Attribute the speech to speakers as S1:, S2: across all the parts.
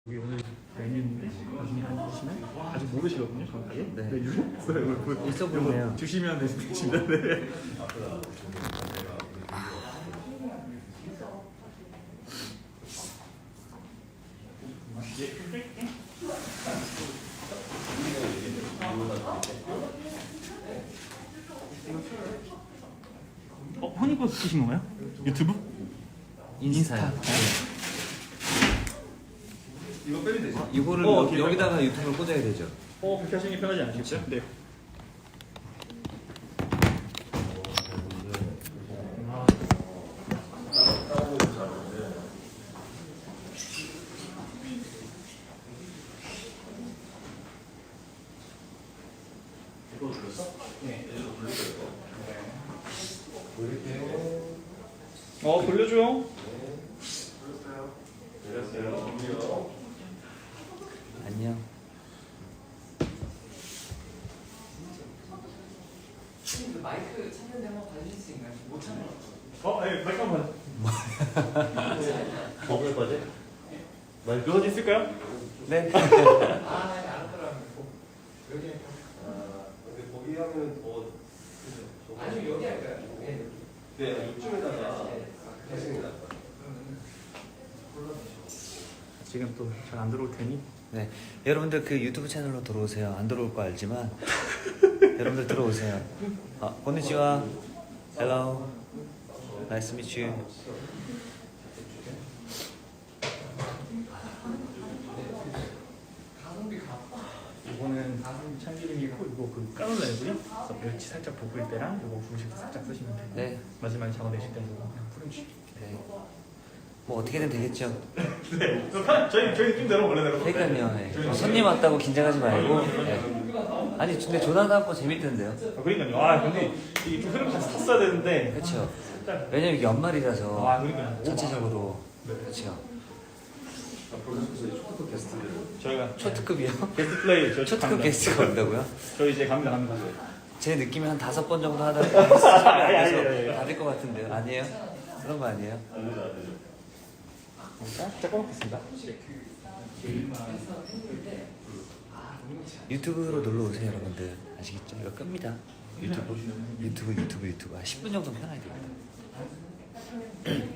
S1: 여기 오늘 메뉴 나중에 보시면 아직 모르시거든요 정확하게.
S2: 네.
S1: 메뉴를
S2: 있어 보이네요.
S1: 주시면 되십니다. 네. 형님 거 쓰신 건가요? 유튜브?
S2: 인스타요.
S1: 이거 빼면 되죠?
S2: 이거를 여기다가 유튜브를 꽂아야 되죠.
S1: 그렇게 하시는 게 편하지 않으시죠? 네.
S3: 이거 돌렸어?
S1: 네.
S3: 얘도 돌릴 거예요.
S1: 돌려줘요.
S3: 내렸어요.
S2: 안녕.
S4: 마이크 찾는데 한번 봐주실 수 있나요? 못 찾는 것
S1: 네, 잠깐만.
S3: 뭐가 빠져?
S1: 묘사진 쓸까요?
S2: 네.
S4: 같아요. 알았더라고요. 여기
S3: 근데 거기 하면 더
S4: 아니면 여기 할까요?
S3: 네, 이쪽에다가 하시는 게 나을 것 같아요.
S1: 지금 또 잘 안 들어올 테니.
S2: 네. 여러분들 그 유튜브 채널로 들어오세요. 안 들어올 거 알지만 여러분들 들어오세요. konnichiwa. Hello. Nice to meet you.
S1: 이거는 참기름이고 이거 그 까놀라이고요. 그래서 멸치 살짝 볶을 때랑 이거 중식 살짝 쓰시면 돼요.
S2: 네.
S1: 마지막에 잡아내실 때는 그냥 프렌치.
S2: 네. 뭐 어떻게든 되겠죠.
S1: 네. 저희 팀대로 원래대로.
S2: 그러니까요. 네. 손님 왔다고 긴장하지 말고. 네. 아니 근데 조나단 거 재밌던데요.
S1: 그러니까요. 근데 이게 좀 흐름 같이 탔어야 되는데.
S2: 그렇죠. 왜냐면 이게 연말이라서
S1: 그러니까요.
S2: 전체적으로
S1: 네.
S2: 그렇죠.
S3: 앞으로 초특급 게스트들.
S1: 저희가
S2: 초특급이요?
S1: 게스트 플레이 저희
S2: 초특급
S1: 갑니다.
S2: 게스트가 온다고요?
S1: 저희 이제 갑니다.
S2: 제 느낌이 한 5번 정도 하다
S1: 아니.
S2: 보면 다될 것 같은데요. 아니에요? 그런 거 아니에요?
S1: 자, 꺼먹겠습니다.
S2: 유튜브로 놀러 오세요, 여러분들. 아시겠죠? 이거 끕니다. 유튜브. 10분 정도 편하게 됩니다.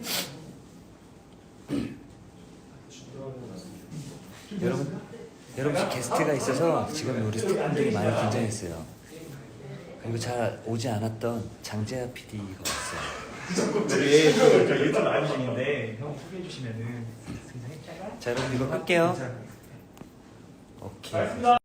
S2: 여러분 게스트가 있어서 지금 우리 스태프분들이 많이 긴장했어요. 그리고 잘 오지 않았던 장재하 PD가 왔어요.
S1: 우리 저 유튜브 라이브 중인데 형 소개해 주시면은
S2: 자, 여러분 이거 끌게요. 오케이.